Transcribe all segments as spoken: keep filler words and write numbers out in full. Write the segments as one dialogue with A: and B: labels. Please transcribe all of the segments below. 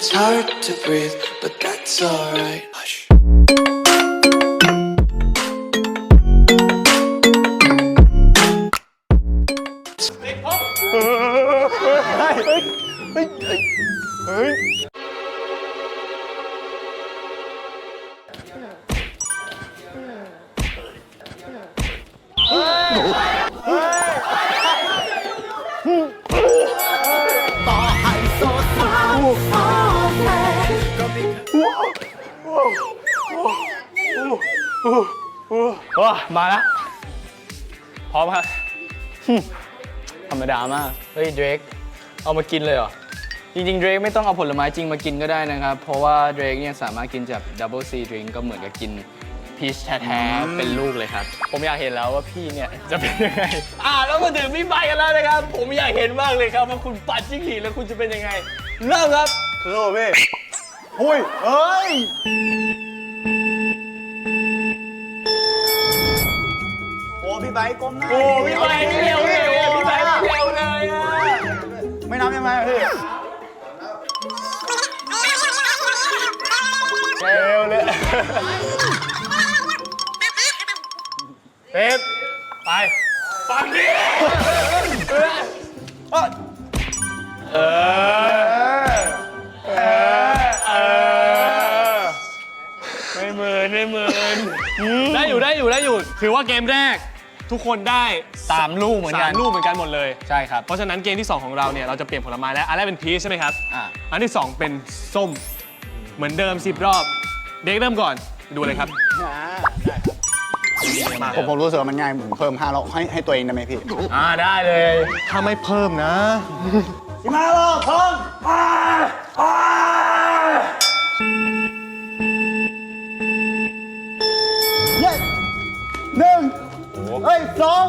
A: It's hard to breathe, but that's alright. Hush.
B: ว้ามาแล้วพร้อมครับธรรมดามากเฮ้ยเดรกเอามากินเลยเหรอจริงๆเดรกไม่ต้องเอาผลไม้จริงมากินก็ได้นะครับเพราะว่าเดรกเนี่ยสามารถกินจากดับเบิลซีดริงก็เหมือนกับกินพีชแท้ๆเป็นลูกเลยครับผมอยากเห็นแล้วว่าพี่เนี่ยจะเป็นยังไงอ่าแล้วมาถึงพี่ใบกันแล้วนะครับผมอยากเห็นมากเลยครับว่าคุณปัดจิ้งหรีดแล้วคุณจะเป็นยังไงเริ่มครับ
C: โลพี่หุ้ยเฮ้ยโอ้พี่ไบค์ก้มหน้า
B: โอ้พี่ใบไม่เร็วเลยโอ้พี่ใบไม่เร็วเลยอ่ะ
C: ไม่นับยังไงพี่เร็วเลยเป๊ปไปฟังดิเออเออเออไม่เหมือนไม่เหมือนได้อยู่ได้อยู่ได้อยู่ถือว่าเกมแรกทุกคนได้
B: สามลูกเหมือนกัน
C: สามลูกเหมือนกันหมดเลย
B: ใช่ครับ
C: เพราะฉะนั้นเกมที่สองของเราเนี่ยเราจะเปลี่ยนผลไม้แล้วอันแรกเป็นพีชใช่ไหมครับ
B: อ่า
C: อันที่สองเป็นส้มเหมือนเดิมสิบรอบเด็กเริ่มก่อนดูเลยครับ
D: ผมผมรู้สึกว่ามันง่ายผมเพิ่มห้ารอบให้ให้ตัวเองได้ไหมพี่
B: อ่าได้เลย
C: ถ้าไม่เพิ่มนะ
D: สิบห้ารอบพร้อมเย้หนึ่งเฮ้ยสอง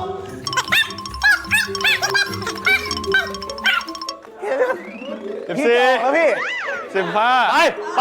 C: สิบสี่
D: แล้วพี่
C: สิบห้าไปไป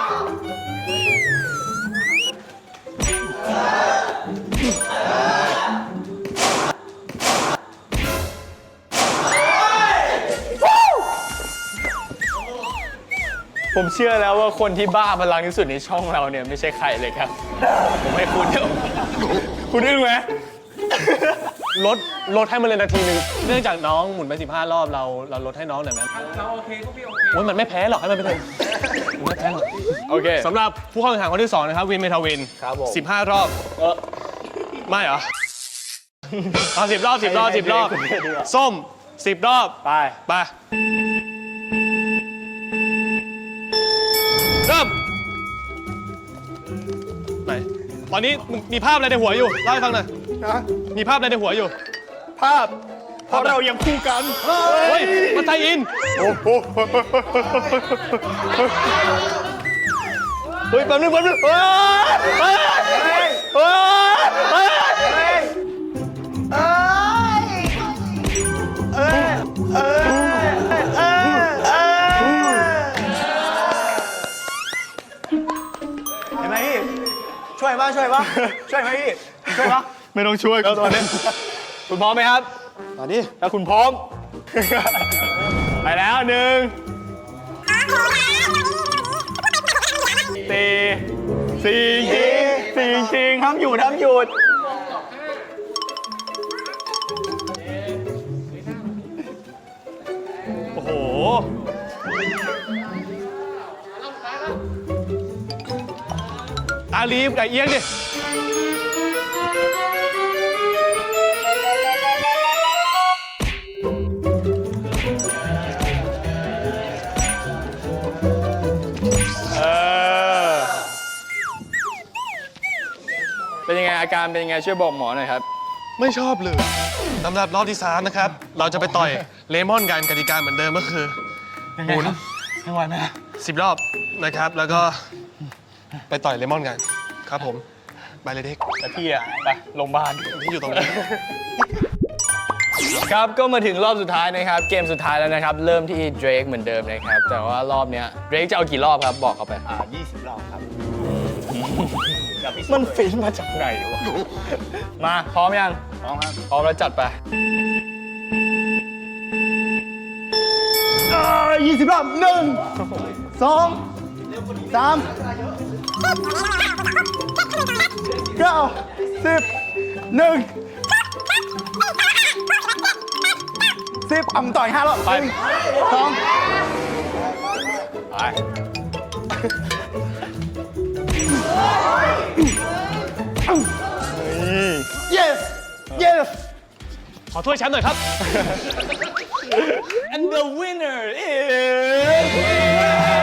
B: ผมเชื่อแล้วว่าคนที่บ้าพลังที่สุดในช่องเราเนี่ยไม่ใช่ใครเลยครับ ผมให้คุณเดี๋ยวคุณอึ้งไหม
C: ลดลดให้มันเลยนาทีหนึ่งเนื่องจากน้องหมุนไปสิบห้ารอบเราเราลดให้น้องหน่อยไหมเราโอเคก็พี่โอเคโอ้ยมันไม่แพ้หรอกให้มันไปเถอะมันไม่แพ้หรอก
B: โอเค
C: สำหรับผู้เข้าแข่งขันคนที่สองนะครับวินเมทาวิน
B: ครับผม
C: สิบห้ารอบไม่เหรอเอาสิบรอบสิบรอบสิบรอบส้มสิบรอบ
B: ไป
C: ไปเริ่มไหนตอนนี้มึงมีภาพอะไรในหัวอยู่เล่าให้ฟังหน่อยมีภาพอะไรในหัวอยู่
D: ภาพเพราะเรายังคู่กัน
C: เฮ้ยมาไทยอินเฮ้ยแป๊บนึงแป๊บนึงเฮ้ยเฮ้ยเฮ้ยเฮ้ยเห็นไหมพี่ช่วยป่ะช่วยป่ะช่วยไหมพี่ช่วยป่ะ ไม่ต้องช่วยแล้วตอนนี้
B: คุณพร้อมไหมครับ
D: ตอนนี้
B: ถ้าคุณพร้อม
C: ไปแล้วหนึ่งสี่สี่สี่ชิงห้ามหยุดห้ามหยุดโอ้โหตาลีบกับเอียงดิ
B: เป็นยังไงอาการเป็นยังไงช่วยบอกหมอหน่อยครับ
C: ไม่ชอบเลยสำหรับรอบที่สามนะครับ เราจะไปต่อยเลมอนกันกติกาเหมือนเดิมก็คือหมุน
D: ไม่ไหวไหม
C: สิบรอบนะครับ แล้วก็ไปต่อยเลมอนกันครับผมไปเลยเด็ก
B: แต่พี่อะไปโรงพยาบาล
C: ที่อยู่ตรงนี้
B: ครับก็มาถึงรอบสุดท้ายนะครับ เกมสุดท้ายแล้วนะครับ เริ่มที่เดรกเหมือนเดิมนะครับ แต่ว่ารอบเนี้ยเดรกจะเอากี่รอบครับบอกเขาไป
D: อ่ายี่สิบรอบครับ
B: มันฟินมาจากไหนวะ มาพร้อมยัง
D: พร้อมครับ
B: พร้อมแล้วจัดไป
D: ยี่สิบรอบหนึ่งสองสามเก้าสิบหนึ่งสิบอ่ำต่อยห้ารอบไปสอง
C: ไป
D: yes yes
C: ขอถ้วยแชมป์หน่อยครับ
B: and the winner is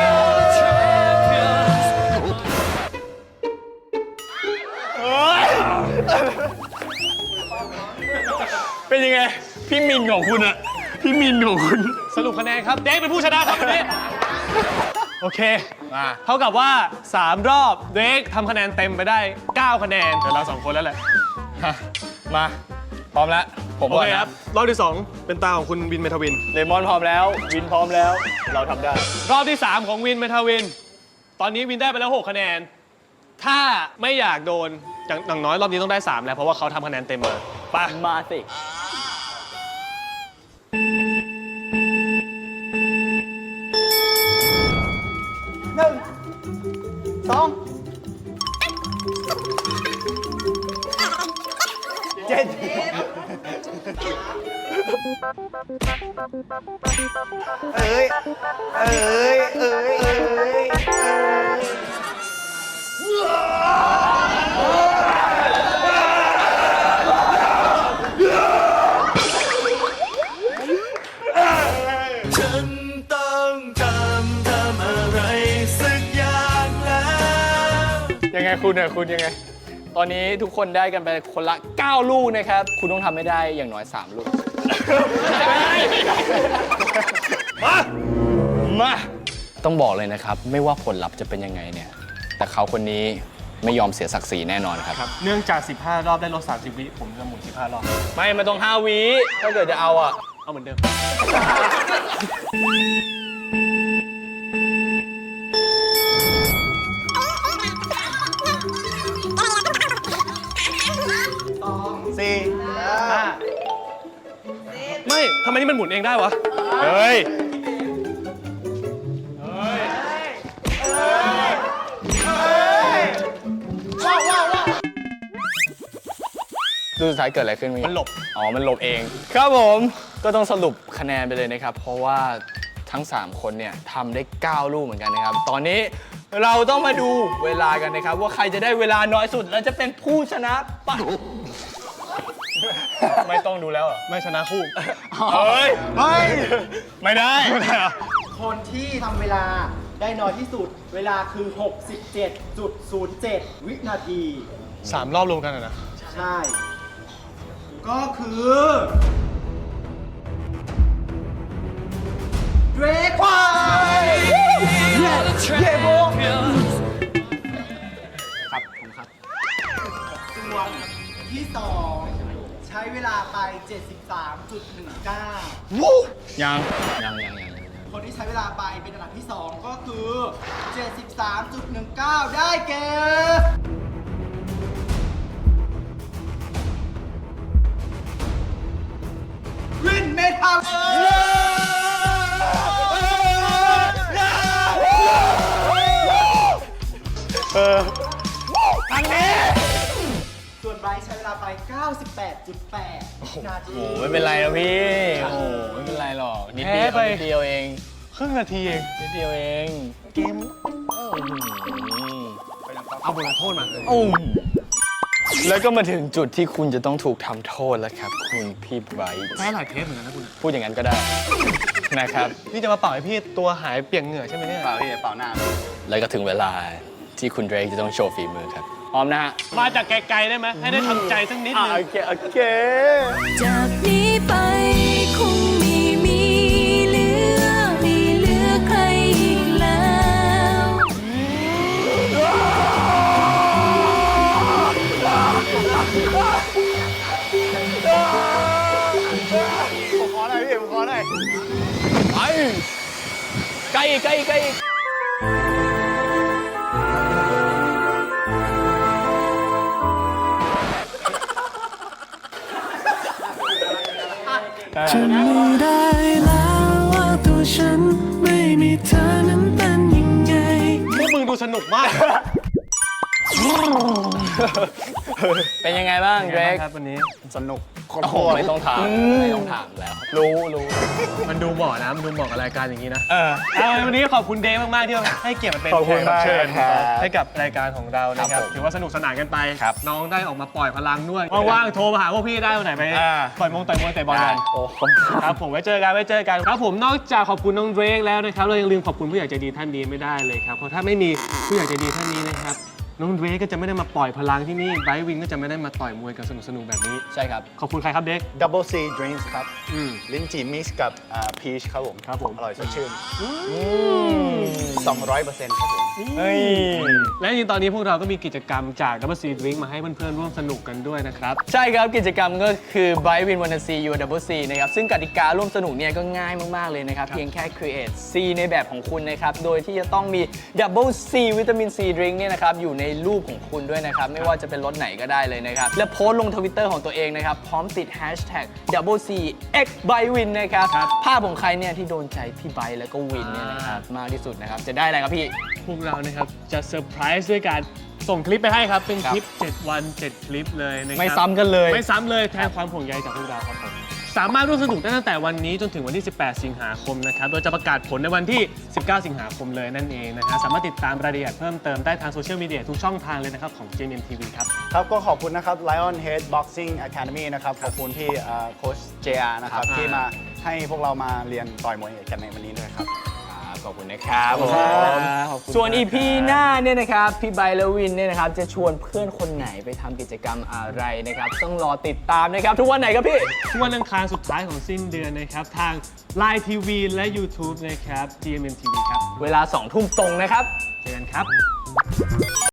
B: เป็นยังไง พี่มินของคุณอะพี่มินของคุณ
C: สรุปคะแนนครับเด็กเป็นผู้ชนะครับวันนี้โอเค
B: มา
C: เท่ากับว่า สาม รอบเด็กทำคะแนนเต็มไปได้ เก้า คะแนนเดี๋ยวเราสองคนแล้วแหละ
B: มา พร้อมแล้ว ผม
C: โอ
B: ก่อน
C: เค
B: นะครับ
C: รอบที่ สอง เป็นตาของคุณวินเมทาวิน
B: เลมอนพร้อมแล้ว วินพร้อมแล้ว เราทำได้
C: รอบที่ สาม ของวินเมทาวิน ตอนนี้วินได้ไปแล้ว หก คะแนน ถ้าไม่อยากโดนอย่างอย่างน้อยรอบนี้ต้องได้ สาม แล้ว เพราะว่าเขาทำคะแนนเต็มมาไป
B: มาสิ
D: หนึ่งสองเจ็ดเอ้ยเอ้ยเอ้ยเอ้ยเอ้ย
A: ฉันต้องทำทำอะไรสักอย่างแล้ว
B: ยังไงคุณเนี่ยคุณยังไง ตอนนี้ทุกคนได้กันไปคนละ เก้า ลูกนะครับ คุณต้องทำให้ได้อย่างน้อย สาม ลูก มา มา ต้องบอกเลยนะครับ ไม่ว่าผลลัพธ์จะเป็นยังไงเนี่ย แต่เขาคนนี้ไม่ยอมเสียศักดิ์ศรีแน่นอนครับ
C: ครับ เนื่องจาก สิบห้า รอบได้ลด สามสิบ วิ ผมจะหมุน สิบห้า รอบ
B: ไม่มันต้อง ห้า วิ ถ้าเกิดจะเอาอ่ะ
C: เอาเหมือนเดิม
D: สี่
C: ห้า ไม่ ทำไมนี่มันหมุนเองได้วะ
B: เฮ้ย
D: ว้าวว้าวว้าว
B: ดูสุดท้ายเกิดอะไรขึ้นเมื่อกี้
C: มันหลบ
B: อ๋อ มันหลบเอง ครับผม ก็ต้องสรุปคะแนนไปเลยนะครับ เพราะว่าทั้ง สาม คนเนี่ยทำได้ เก้า ลูกเหมือนกันนะครับ ตอนนี้เราต้องมาดูเวลากันนะครับ ว่าใครจะได้เวลาน้อยสุด และจะเป็นผู้ชนะปะ ไม่ต้องดูแล้วเหรอ
C: ไม่ชนะคู่
B: เฮ้ย
D: เฮ้ย
B: ไม่ได้ ไม่ได้เหรอ
E: คนที่ทำเวลาได้น้อยที่สุด เวลาคือ หกสิบเจ็ดจุดศูนย์เจ็ด วินาที
C: สาม รอบรวมกันอะนะ
E: ใช่ ก็คือเดรกควาย
D: เย้โบ
E: ครับผมครับส่วนที่สองใช้เวลาไป เจ็ดสิบสามจุดหนึ่งเก้า
B: ยัง ยังยังยัง
E: คนที่ใช้เวลาไปเป็นอันดับที่สองก็คือ เจ็ดสิบสามจุดหนึ่งเก้า ได้แก่ วินเมทัลส่วนไบรท์ใช้เวลาไป เก้าสิบแปดจุดแปด นาที
B: โอ้ไม่เป็นไรนะพี่ โอ้ไม่เป็นไรหรอก นิดเดียว
C: แพ้ไป
B: นิดเดียวเอง
C: ครึ่งนาทีเอง
B: นิดเดียวเอง
C: เกม เอาบทลงโทษมา
B: โอ้แล้วก็มาถึงจุดที่คุณจะต้องถูกทำโทษแล้วครับ คุณพี่ไบรท์
C: แพ้หลายเทปเหมือนกันนะคุณ
B: พูดอย่างนั้นก็ได้ นะครับ
C: พี่จะมาเป่าให้พี่ตัวหายเปียกเหงื่อใช่ไหมเนี่ย
D: เปล่าพี่เปล่าหน้า
B: แล้วก็ถึงเวลาที่คุณเดรกจะต้องโชว์ฝีมือครับ พร้อมนะฮะ
C: มาจากไกลๆได้ไหม ให้ได้ทำใจสักนิด
B: อ่ะ
C: นึง
B: โอเค โอเค
F: จากนี้ไปคงไม่มีเหลือไม่เหลือใครอีกแล้ว
D: ผมขอหน่อยพี่ผมขอหน่อย
B: ไปใกล้อีกใกล้อีกใกล้อีก
A: ฉันไม่ได้แล้วว่าตัวฉันไม่มีเธอนั้นเป็นยัง
C: สนุกมาก
B: เป็นยังไงบ้างเดรก
C: ครับวันนี้
D: สนุกโคตร
B: โอ้โหไม่ต้องถามไม่ต้องถามแล้ว รู้รู้
C: มันดูเหมาะนะ มันดูเหมาะกับรายการอย่างนี้นะ
B: เออ
C: เอาวันนี้ขอบคุณเดฟมาก ๆ ที่ให้เกียรติมาเป็น
D: ขอบ
C: แข
D: คุณ
C: กรับเชิญ
D: มากครับ
C: ให้กับรายการของเรานะค
B: ครั
C: รับบ
B: ผม
C: ถือว่าสนุกสนานกันไป
D: ครับ
C: น้องได้ออกมาปล่อยพลังด้วย ว่าง ๆ โทรมาหาพวกพี่ได้วันไหนไป
D: อ่า
C: ปล่อยมงต่อยมวยเตะบอลกัน
B: โอ้โห
C: ครับผมไว้เจอกันไว้เจอกันครับผมนอกจากขอบคุณน้องเดรกแล้วนะครับเรายังลืมขอบคุณผู้ใหญ่ใจดีท่านนี้ไม่ได้เลยครับเพราะถ้าไม่มีผู้ใหญ่ใจดีท่านนี้นะครับน้องเดรกก็จะไม่ได้มาปล่อยพลังที่นี่ไบรท์วินก็จะไม่ได้มาต่อยมวยกันสนุกๆแบบนี้
B: ใช่ครับ
C: ขอบคุณใครครับเด็ก
D: Double C Drinks ครับ
C: อืม
D: ลิ้นจี่มิกซ์กับพีชครับผม
C: ครับผม
D: อร่อยสดชื่นสองร้อยเปอร์เซ็นต์ครับผม
B: เฮ้ย
C: และจริงๆตอนนี้พวกเราก็มีกิจกรรมจาก Double C Drink มาให้เพื่อนๆร่วมสนุกกันด้วยนะครับ
B: ใช่ครับกิจกรรมก็คือ Bright Win Wanna See You Double C นะครับซึ่งกติการ่วมสนุกเนี่ยก็ง่ายมาก ๆ เลยนะครับ เพียงแค่ create C ในแบบของคุณนะครับ โดยที่จะต้องมี Double C วิตามิน C Drink เนี่ยนะครับอยู่ในรูปของคุณด้วยนะครับ ไม่ว่าจะเป็นรสไหนก็ได้เลยนะครับ และโพสต์ลงทวิตเตอร์ของตัวเองนะครับ พร้อมติด hashtag Double C X Bright Win นะครับ
C: ครับ
B: ภาพของใครเนี่ยที่โดนใจพี่ไบร์ทแล้วก็วินเนี่ยนะครับมากที่สุดนะครับจะได้อะไรครับพี่
C: พวกเรานะครับจะเซอร์ไพรส์ด้วยการส่งคลิปไปให้ครับ เป็น
B: ครับ
C: คลิป เจ็ด วัน เจ็ด คลิปเลยนะครับ
B: ไม่ซ้ำกันเลย
C: ไม่ซ้ำเลยแทนความห่วงใยจากพวกเราครับผม สามารถร่วมสนุกได้ตั้งแต่วันนี้จนถึงวันที่ สิบแปด สิงหาคมนะครับ โดยจะประกาศผลในวันที่ สิบเก้า สิงหาคมเลยนั่นเองนะฮะสามารถติดตามรายละเอียดเพิ่มเติมได้ทางโซเชียลมีเดียทุกช่องทางเลยนะครับของ เจ เอ็ม เอ็ม ที วี ครับ
D: ครับก็ขอบคุณนะครับ Lion Head Boxing Academy นะครับ ขอบคุณที่โค้ชเจอานะครับ
C: ครับ
D: ที่มาให้พวกเรามาเรียนต่อยมวยกันในวันนี้ด้วยครับ
B: ขอบคุณนะครับ
D: ขอบคุณครับ
B: ผมส่วน อี พี หน้าเนี่ยนะครับ พี่ไบร์ทและวินเนี่ยนะครับ จะชวนเพื่อนคนไหนไปทำกิจกรรมอะไรนะครับ ต้องรอติดตามนะครับ ทุกวันไหนครับพี่
C: ทุกวันอังคารสุดท้ายของสิ้นเดือนนะครับ ทาง ไลน์ ที วี และ YouTube นะครับ จี เอ็ม เอ็ม ที วี ครับ
B: เวลาสองทุ่มตรงนะครับ
C: เจอกันครับ